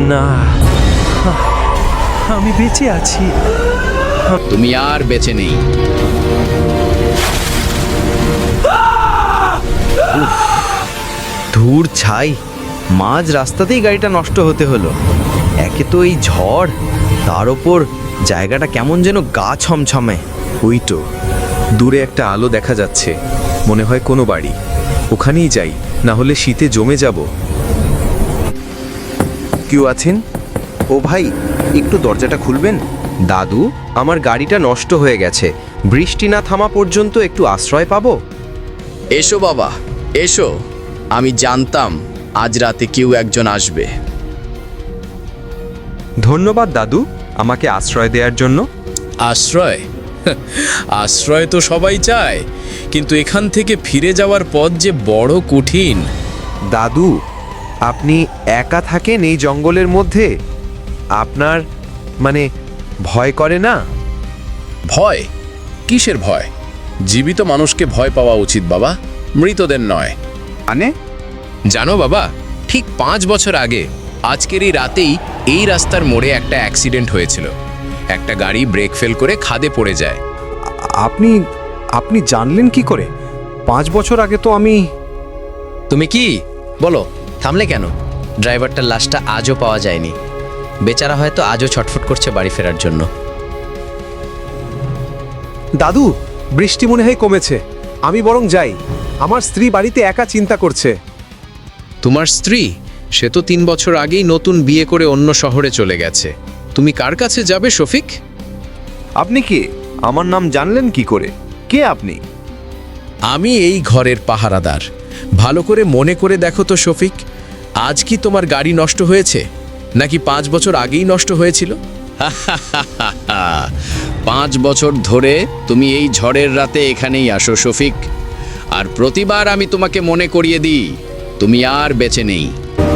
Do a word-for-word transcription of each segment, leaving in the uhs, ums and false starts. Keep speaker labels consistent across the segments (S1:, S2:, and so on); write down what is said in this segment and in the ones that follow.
S1: না, আমি বেঁচে আছি।
S2: তুমি আর বেঁচে নেই।
S3: ধুর ছাই, মাঝ রাস্তাতেই গাড়িটা নষ্ট হতে হলো। একে তো এই ঝড়, তার ওপর জায়গাটা কেমন যেন গা ছমছমে।
S4: ওই তো দূরে একটা আলো দেখা যাচ্ছে, মনে হয় কোনো বাড়ি। ওখানেই যাই, না হলে শীতে জমে যাব। কেউ আছেন? ও ভাই, একটু দরজাটা খুলবেন? দাদু, আমার গাড়িটা নষ্ট হয়ে গেছে, বৃষ্টি না থামা পর্যন্ত একটু আশ্রয় পাবো?
S2: এসো বাবা, এসো। আমি জানতাম আজ রাতে কেউ একজন আসবে।
S4: ধন্যবাদ দাদু, আমাকে আশ্রয় দেওয়ার জন্য।
S5: আশ্রয়? আশ্রয় তো সবাই চায়, কিন্তু এখান থেকে ফিরে যাওয়ার পথ যে বড় কঠিন।
S4: দাদু, আপনি একা থাকেন এই জঙ্গলের মধ্যে? আপনার মানে ভয় করে না?
S5: ভয়? কিসের ভয়? জীবিত মানুষকে ভয় পাওয়া উচিত বাবা, মৃতদের নয়।
S4: মানে?
S5: জানো বাবা, ঠিক পাঁচ বছর আগে আজকের এই রাতেই এই রাস্তার মোড়ে একটা অ্যাক্সিডেন্ট হয়েছিল। একটা গাড়ি ব্রেক ফেল করে খাদে পড়ে যায়।
S4: আপনি আপনি জানলেন কি করে? পাঁচ বছর আগে তো আমি...
S3: তুমি কি বলো, থামলে কেন? ড্রাইভারটার লাশটা আজও পাওয়া যায়নি। বেচারা হয়তো আজও ছটফট করছে বাড়ি ফেরার জন্য।
S6: দাদু, বৃষ্টি মনে হয় কমেছে, আমি বরং যাই। আমার স্ত্রী বাড়িতে একা চিন্তা করছে।
S5: তোমার স্ত্রী? সে তো তিন বছর আগেই নতুন বিয়ে করে অন্য শহরে চলে গেছে। তুমি কার কাছে যাবে শফিক?
S4: আপনি কে? আমার নাম জানলেন কি করে? কে আপনি?
S5: আমি এই ঘরের পাহারাদার। ভালো করে মনে করে দেখো তো শফিক, আজ কি তোমার গাড়ি নষ্ট হয়েছে, নাকি পাঁচ বছর আগেই নষ্ট হয়েছিল?
S2: পাঁচ বছর ধরে তুমি এই ঝড়ের রাতে এখানেই আসো শফিক, আর প্রতিবার আমি তোমাকে মনে করিয়ে দিই তুমি আর বেঁচে নেই।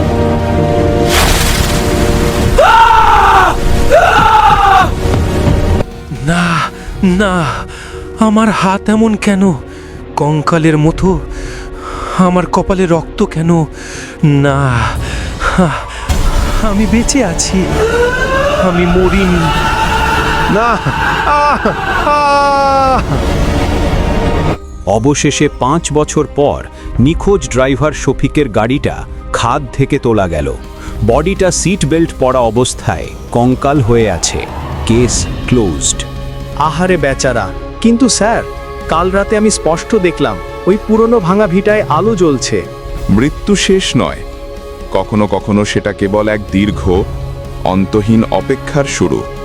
S1: না না, আমার হাত এমন কেন, কঙ্কালের মতো? আমার কপালে রক্ত কেন? না, আমি বেঁচে আছি, আমি মরিনি।
S4: না! আহ! আহ!
S7: অবশেষে পাঁচ বছর পর নিখোঁজ ড্রাইভার শফিকের গাড়িটা খাদ থেকে তোলা গেল। বডিটা সিট বেল্ট পরা অবস্থায় কঙ্কাল হয়ে আছে। Case closed.
S6: আহারে বেচারা! কিন্তু স্যার, কাল রাতে আমি স্পষ্ট দেখলাম ওই পুরনো ভাঙা ভিটায় আলো জ্বলছে।
S8: মৃত্যু শেষ নয়, কখনো কখনো সেটা কেবল এক দীর্ঘ, অন্তহীন অপেক্ষার শুরু।